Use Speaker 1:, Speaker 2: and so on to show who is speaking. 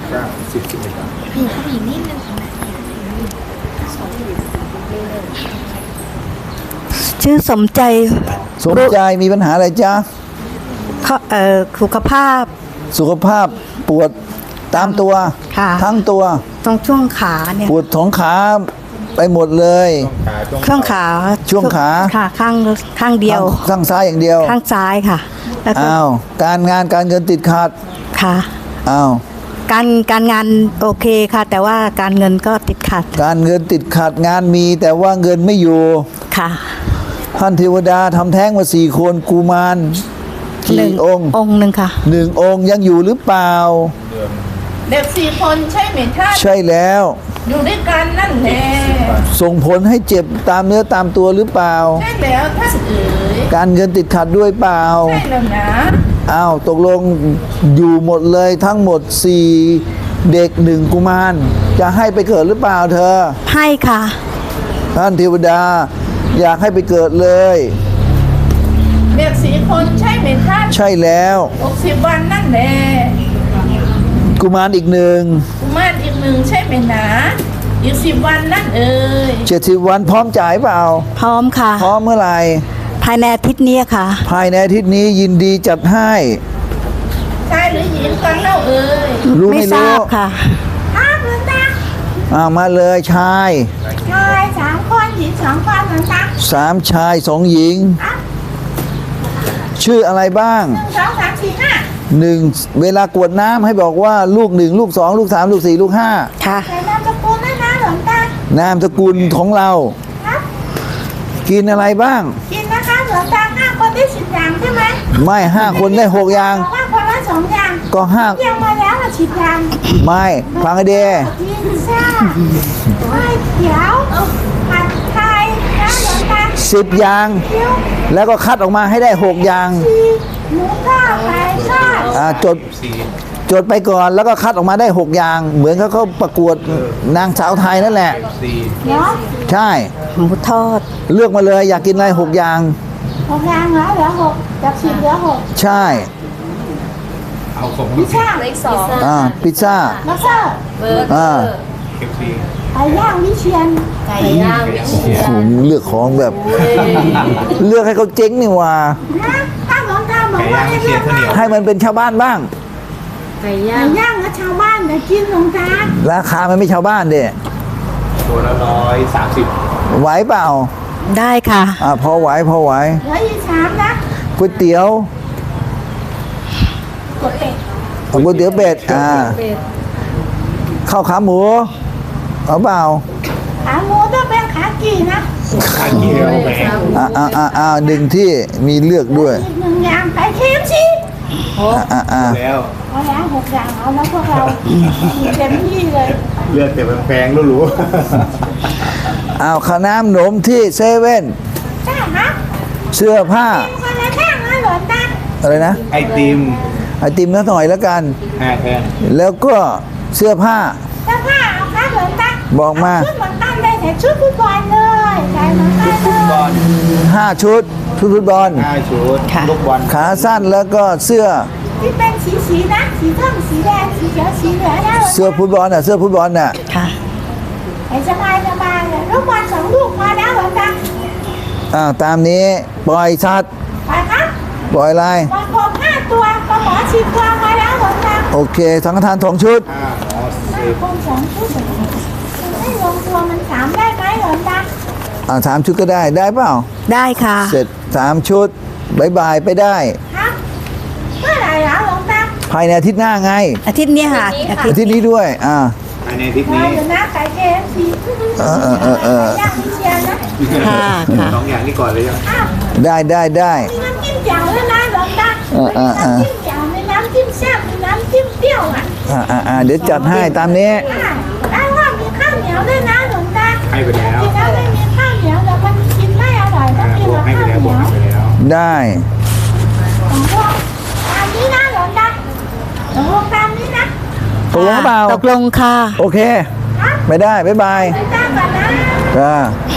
Speaker 1: 10 บาท
Speaker 2: ผู้หญิงนิดนึงชื่อสมใจ
Speaker 3: มีปัญหาอะไรจ๊ะ
Speaker 2: สุขภาพ
Speaker 3: ปวดตามตัวทั้งตัว
Speaker 2: ตรงช่วงขาเนี่ย
Speaker 3: ปวดท้องขาไปหมดเลย
Speaker 2: ช่วงขาค่ะข้างเดียว
Speaker 3: ข้างซ้ายอย่างเดียว
Speaker 2: ข้างซ้ายค่ะ
Speaker 3: อ้าวการงานการเงินติดขัด
Speaker 2: ค่ะ
Speaker 3: อ้าว
Speaker 2: การงานโอเคค่ะแต่ว่าการเงินก็ติดขัด
Speaker 3: การเงินติดขัดงานมีแต่ว่าเงินไม่อยู่
Speaker 2: ค่ะ
Speaker 3: ท่านเทวดาทำแท้งมา4 คนกุมารกี่องค์
Speaker 2: หนึ่งค่ะ
Speaker 3: 1 องค์ยังอยู่หรือเปล่า
Speaker 4: เด็ก4 คนใช่ไหมท่าน
Speaker 3: ใช่แล้ว
Speaker 4: อยู่ด้วยกันนั่นแหละ
Speaker 3: ส่งผลให้เจ็บตามเนื้อตามตัวหรือเปล่า
Speaker 4: ใช่แล้วท่านเอ๋ย
Speaker 3: การเงินติดขัดด้วยเปล่า
Speaker 4: ใช่แล้วนะ
Speaker 3: อ้าวตกลงอยู่หมดเลยทั้งหมด4 เด็ก1 กุมารจะให้ไปเกิดหรือเปล่าเธอ
Speaker 2: ให้ค่ะ
Speaker 3: ท่านเทวดาอยากให้ไปเกิดเลย
Speaker 4: เด็ก4 คนใช่ไหมท่าน
Speaker 3: ใช่แล้ว
Speaker 4: 60 วันนั่นแหละ
Speaker 3: กุมารอีก
Speaker 4: 1ใช่ไหมนะอีก10 วันนั่นเอ่ย
Speaker 3: 70 วันพร้อมจ่ายเปล่า
Speaker 2: พร้อมค่ะ
Speaker 3: พร้อมเมื่อไหร่
Speaker 2: ภายในอาทิตย์นี้ค่ะ
Speaker 3: ภายในอาทิตย์นี้ยินดีจัดให้
Speaker 4: ชายหรือหญิงกันเล่าเอ่ย
Speaker 3: รู้ไม่รู้
Speaker 2: ค่ะ
Speaker 4: หลวงตา
Speaker 3: มาเลยชาย
Speaker 4: 3 คนหญิง2 คนหลวงตา
Speaker 3: 3 ชาย 2 หญิงชื่ออะไรบ้าง
Speaker 4: 1 2 3 4
Speaker 3: 5เวลากวดน้ำให้บอกว่าลูก1ลูก2ลูก3ลูก4ลูก5
Speaker 2: ค่ะ
Speaker 4: นามสกุลนะหลวงตาน
Speaker 3: ามสกุลของเรากินอะไรบ้าง
Speaker 4: กินนะคะหลวงตา5 คนได้10 อย่างใช่ไหม
Speaker 3: ไม่5 คนได้6 อย่าง
Speaker 4: คนละ2 อย่าง
Speaker 3: ก็5
Speaker 4: ยังมาแล้ว10 อย่าง
Speaker 3: ไม่ฟังให้ดี
Speaker 4: กินซ่าไม่เขียวผัดไทยนะหลวงตา
Speaker 3: 10 อย่างแล้วก็คัดออกมาให้ได้6 อย่าง
Speaker 4: หมูทอดไก่ทอด
Speaker 3: จดไปก่อนแล้วก็คัดออกมาได้6 อย่างเหมือนเขาประกวดนางสาวไทยนั่นแหละใช่
Speaker 2: หมูทอด
Speaker 3: เลือกมาเลยอยากกินอะไร6 อย่าง
Speaker 4: 6 อย่างเหรอเหลือ6จาก10เหลือ6
Speaker 3: ใช่
Speaker 1: เอาของ
Speaker 4: พิซซ่า
Speaker 2: เลข2
Speaker 3: พิซซ่า
Speaker 4: มาเซอร์
Speaker 2: เบอร์เกอร์
Speaker 4: ไก่ย่างวิเชียร
Speaker 3: เลือกของแบบเลือกให้เขาเจ๊งนี่ว่า
Speaker 4: ถ้าหลวงตาบอกว่า
Speaker 3: ให้มันเป็นชาวบ้านบ้าง
Speaker 2: ไก่ย่าง
Speaker 4: กับชาวบ้านเนี่ยกินหลวงตา
Speaker 3: ราคามันไม่ชาวบ้านเด้
Speaker 1: ตัวละ130
Speaker 3: ไหวเปล่า
Speaker 2: ได้ค่ะ
Speaker 3: พอไหว
Speaker 4: เหลืออีก3นะ
Speaker 3: ก๋วยเตี๋ยวก๋วยเตี๋ยวเป็ดข้าวขาหมูเอาเปล่า
Speaker 4: ขาหมูต้องเป็นขากี่นะ
Speaker 1: ขากี่
Speaker 3: หนึ่งที่มีเลือกด้วย
Speaker 4: อีก1 อย่างไก่เค็มสิ
Speaker 1: แล้ว
Speaker 4: เอาแล้ว6 อย่างเอาแล้วพวกเราเต็มที่เลย
Speaker 1: เลือกแต่แพงๆหรู
Speaker 3: ข้าวน้ำหนมที่เซเว่น
Speaker 4: ใช่ครับ
Speaker 3: เสื้อผ้า
Speaker 4: คนละแท่งนะหลวงตา
Speaker 3: อะไรนะ
Speaker 1: ไอติม
Speaker 3: นิดหน่อยแล้วกัน
Speaker 1: แท่ง
Speaker 3: แล้วก็เสื้อผ้า
Speaker 4: เอาครับหลวงตา
Speaker 3: บอกมา
Speaker 4: ชุดเหมือนกันเลยแต่ชุดฟุตบอลเลยใช่เหมือนกัน
Speaker 3: เลย5 ชุดฟุตบอล
Speaker 1: 5 ชุดลูกบอล
Speaker 3: ขาสั้นแล้วก็เสื้อ
Speaker 4: ที่เป็นสีนะสีส้มสีแดงสีเขียวสีเหลืองนะ
Speaker 3: เสื้อฟุตบอลน่ะ
Speaker 2: ค่ะ
Speaker 4: สบายเลยลูกบอล2 ลูกพอแล้วหลวงตา
Speaker 3: ตามนี้ปล่อยสัตว์
Speaker 4: ไปครับ
Speaker 3: ปล่อยอะไร
Speaker 4: ปล่อยกบ5 ตัวปลาหมอ10 ตัวพอแล้วหลวงตา
Speaker 3: โอเคสังฆทาน2 ชุด
Speaker 4: คน2 ชุดไม่ลงตัวมัน3ได้ไหมหลวงตา
Speaker 3: 3 ชุดก็ได้เปล่า
Speaker 2: ได้ค่ะ
Speaker 3: เสร็จ3 ชุดบายไปได้
Speaker 4: ครับเมื่อไหร่หลวงตา
Speaker 3: ภายในอาทิตย์หน้าไง
Speaker 2: อาทิตย์นี้ค่ะ
Speaker 3: อาทิตย์นี้ด้วย
Speaker 1: ภายในอาทิตย์นี้
Speaker 4: อยู่หน้าไก่เกมสีย่างวิเชียรนะ
Speaker 1: 2 อย่างนี้ก่อนเลย
Speaker 3: ได้
Speaker 4: มีน้ำจิ้มแจ่วด้วยนะหลวงตาน้ำจิ้มแจ่วมีน้ำจิ้มแซ่บมีน้ำจิ้มเปรี้ยว
Speaker 3: เดี๋ยวจัดให้ตามนี้
Speaker 4: แล้วว่ามีข้าวเหนียวด้วยนะหลวงตา
Speaker 1: ให้ไปแล้ว
Speaker 4: กินแล้วไม่มีข้าวเหนียวแล้วมันกินไม่อร่อยต้องกินกับข้าวเหนียว
Speaker 3: ได้
Speaker 4: ตามนี้นะหลวงตาตามนี้นะ
Speaker 3: ตกลงเปล่า
Speaker 2: ตกลงค่ะ
Speaker 3: โอเคไม่ได้บ๊ายบาย
Speaker 4: จ้าก่อนนะ